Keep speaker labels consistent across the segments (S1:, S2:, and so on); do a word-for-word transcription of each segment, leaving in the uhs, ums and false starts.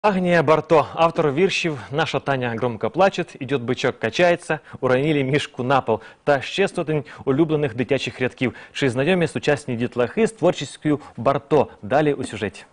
S1: Агния Барто, автор віршів «Наша Таня громко плачет», «Идет бычок, качається», «Уронили мішку на пол» та ще сотень улюблених дитячих рядків. Чи знайомі сучасні дітлахи з творчістю Барто? Далі у сюжеті.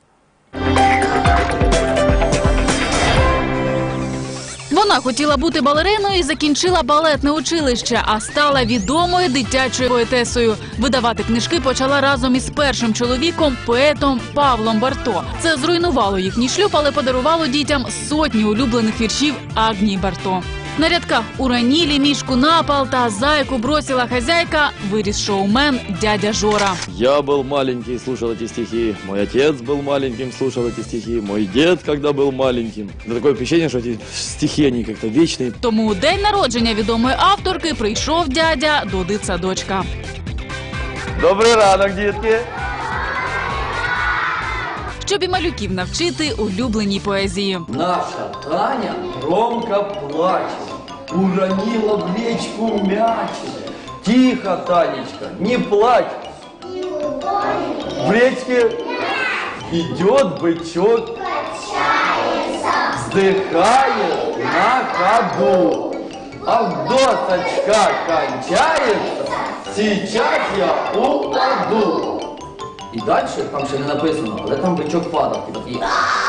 S2: Вона хотіла бути балериною і закінчила балетне училище, а стала відомою дитячою поетесою. Видавати книжки почала разом із першим чоловіком, поетом Павлом Барто. Це зруйнувало їхній шлюб, але подарувало дітям сотні улюблених віршів Агнії Барто. На рядках «Уронили мішку на пол» та «Зайку бросила хозяйка» виріс шоумен дядя Жора.
S3: Я был маленький, слушал эти стихи. Мой отец был маленьким, слушал эти стихи. Мой дед, когда был маленьким. Да такое впечатление, что эти стихи, они как-то вечные.
S2: Тому у день народження відомої авторки прийшов дядя до дитсадочка.
S3: Добрий ранок, дітки!
S2: Щоб і малюків навчити улюбленій поезії.
S4: Наша Таня громко плачет, уронила в речку мячик. Тихо, Танечка, не плачь. В речке идет бычок, вздыхает на ходу. А досочка кончается, сейчас я упаду. І далі, там ще не написано, але там бичок падав. І такий...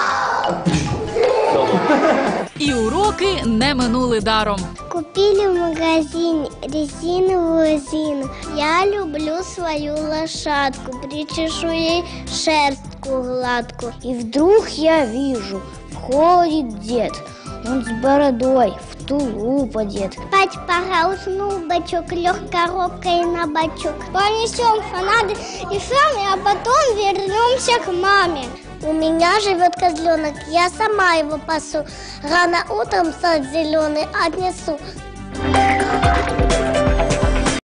S2: І уроки не минули даром.
S5: Купили в магазине резиновую резину. Я люблю свою лошадку, причешу ей шерстку гладкую. И вдруг я вижу, входит дед. Он с бородой, в тулуп одет. Спать пора, уснул бачок, лег коробкой на бачок. Понесем фонады и сами, а потом вернемся к маме. У меня живет козленок, я сама его пасу. Рано утром сад зеленый отнесу.